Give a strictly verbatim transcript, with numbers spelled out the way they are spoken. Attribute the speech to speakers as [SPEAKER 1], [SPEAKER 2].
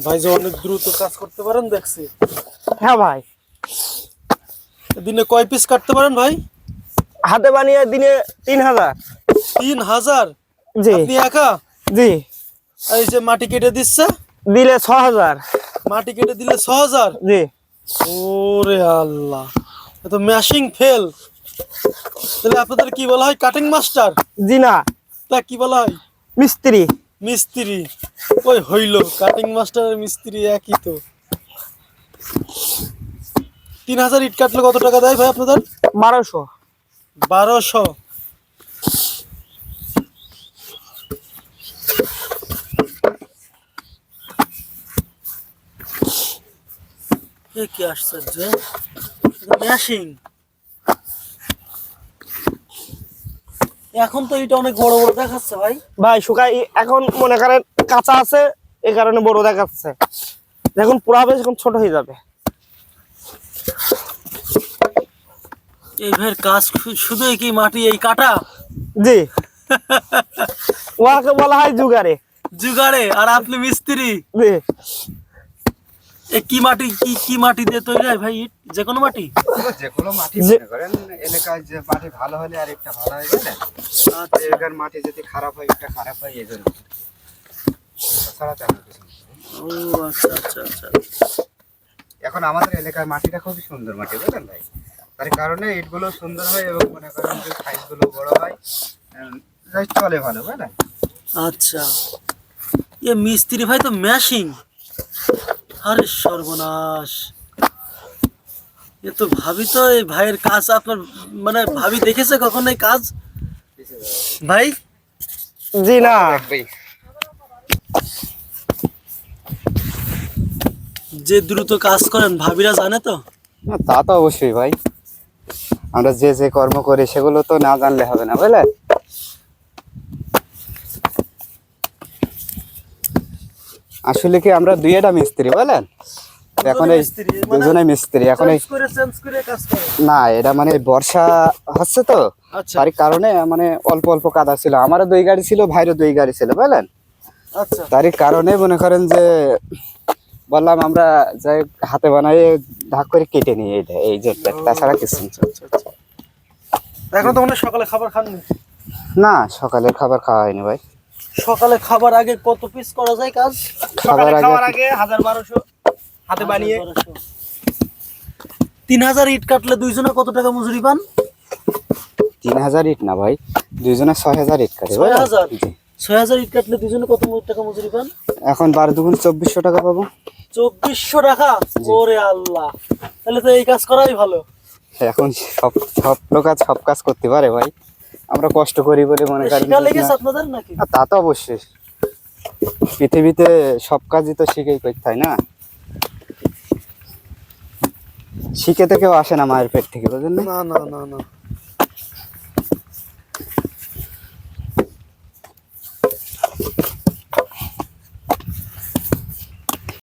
[SPEAKER 1] ভাই যে অনেক দ্রুত কাজ করতে পারেন দেখছি।
[SPEAKER 2] হ্যাঁ ভাই।
[SPEAKER 1] দিনে কয় পিস কাটতে পারেন ভাই?
[SPEAKER 2] হাতে বানিয়ে দিনে তিন হাজার।
[SPEAKER 1] তিন হাজার?
[SPEAKER 2] জি।
[SPEAKER 1] আপনি একা?
[SPEAKER 2] জি।
[SPEAKER 1] এই যে মাটি কেটে দিচ্ছে
[SPEAKER 2] দিলে ছ হাজার।
[SPEAKER 1] মাটি কেটে দিলে ছ হাজার?
[SPEAKER 2] জি।
[SPEAKER 1] ওরে আল্লাহ, এ তো ম্যাশিং ফেল। তাহলে আপনাদের কি বলা হয়, কাটিং মাস্টার?
[SPEAKER 2] জি না,
[SPEAKER 1] তা কি বলা হয়?
[SPEAKER 2] মিস্ত্রি।
[SPEAKER 1] মিস্ত্রি। ওই হইল, কাটিং মাস্টার আর মিস্ত্রি একই তো। তিন হাজার ইট কাটলে কত টাকা দেয় ভাই আপনাদের?
[SPEAKER 2] বারোশো।
[SPEAKER 1] বারোশো? এ কি আশ্চর্য, ম্যাশিং। এখন তো এটা অনেক বড় বড় দেখাচ্ছে ভাই।
[SPEAKER 2] ভাই শুকাই এখন মনে করেন কাঁচা আছে, এই কারণে বড় দেখাচ্ছে। যখন পুরা হবে তখন ছোট হয়ে যাবে।
[SPEAKER 1] এই ভাইয়ের কাজ শুধু কি মাটি এই কাটা?
[SPEAKER 2] জি। ওয়াকে বলা হয় জুগারে।
[SPEAKER 1] জুগারে, আর আপনি মিস্ত্রি।
[SPEAKER 2] জি।
[SPEAKER 1] এ কি মাটি, কি কি মাটি দিয়ে তৈরি হয় ভাই ইট? যে কোনো মাটি?
[SPEAKER 3] যে কোনো মাটি মনে করেন এলাকায় যে মাটি ভালো হলে আর একটা ভালো হয়, বুঝলেন? আচ্ছা, এলাকার মাটি যদি খারাপ হয় একটা খারাপ হয়, এই জন্য। তাছাড়া তেমন কিছু না।
[SPEAKER 1] ও আচ্ছা আচ্ছা আচ্ছা।
[SPEAKER 3] এখন আমাদের এলাকার মাটিটা খুবই সুন্দর মাটি, বুঝলেন ভাই? তার কারণে ইটগুলো সুন্দর হয় এবং মনে করেন যে সাইজগুলো বড় হয়, যাই চলে ভালো, বুঝলেন?
[SPEAKER 1] আচ্ছা, এ মিস্ত্রি ভাই তো ম্যাশিং। আরে সর্বনাশ, এ তো ভাবি তো এই ভাইয়ের কাজ আপনার মানে ভাবি দেখেছে কখন এই কাজ ভাই?
[SPEAKER 2] জি না।
[SPEAKER 1] যে দ্রুত কাজ করেন ভাবিরা জানে তো?
[SPEAKER 3] তা তো অবশ্যই ভাই, আমরা যে যে কর্ম করি সেগুলো তো না জানলে হবে না, বুঝলেন? আসলে কি আমরা দুইটা মিস্ত্রি, বুঝলেন? এখন এই দুজনে মিস্ত্রি। এখন এই না, এটা মানে বর্ষা হচ্ছে তো, তার কারণে মানে অল্প অল্প কাদা ছিল। আমারও দুই গাড়ি ছিল, ভাইরও দুই গাড়ি ছিল, বুঝলেন?
[SPEAKER 1] আচ্ছা,
[SPEAKER 3] তারই কারণে মনে করেন যে বললাম আমরা যাই হাতে বানাই ভাগ করে কেটে নিই এইটা, এই যে তাছাড়া কিছু
[SPEAKER 1] এখন তো মনে হয় সকালে খাবার খাননি?
[SPEAKER 3] না, সকালের খাবার খাওয়া হয়নি ভাই।
[SPEAKER 1] সকালে খাবার আগে কত পিস করা যায় কাজ?
[SPEAKER 2] খাবার খাওয়ার আগে হাজার বারোশো হাতে বানিয়ে।
[SPEAKER 1] তিন হাজার ইট কাটলে দুইজনে কত টাকা মজুরি পান?
[SPEAKER 3] তিন হাজার ইট না ভাই, দুইজনে ছয় হাজার ইট কাটে।
[SPEAKER 1] ছয় হাজার? ছয় হাজার ইট কাটলে দুইজনে কত টাকা মজুরি পান?
[SPEAKER 3] এখন বারো দুগুণ চব্বিশশো টাকা পাবো।
[SPEAKER 1] চব্বিশশো টাকা? ওরে আল্লাহ, তাহলে তো এই কাজ করাই ভালো।
[SPEAKER 3] এখন সব সব লোক কাজ সব কাজ করতে পারে ভাই, আমরা কষ্ট করি বলে মনে করেন।
[SPEAKER 1] শিখা লেগেছে আপনাদের নাকি?
[SPEAKER 3] তা তো অবশ্যই, পৃথিবীতে সব কাজই তো শিখেই করতে হয় না, শিখে তো কেউ আসে না মায়ের পেট থেকে, বুঝলেন?
[SPEAKER 1] না না না না।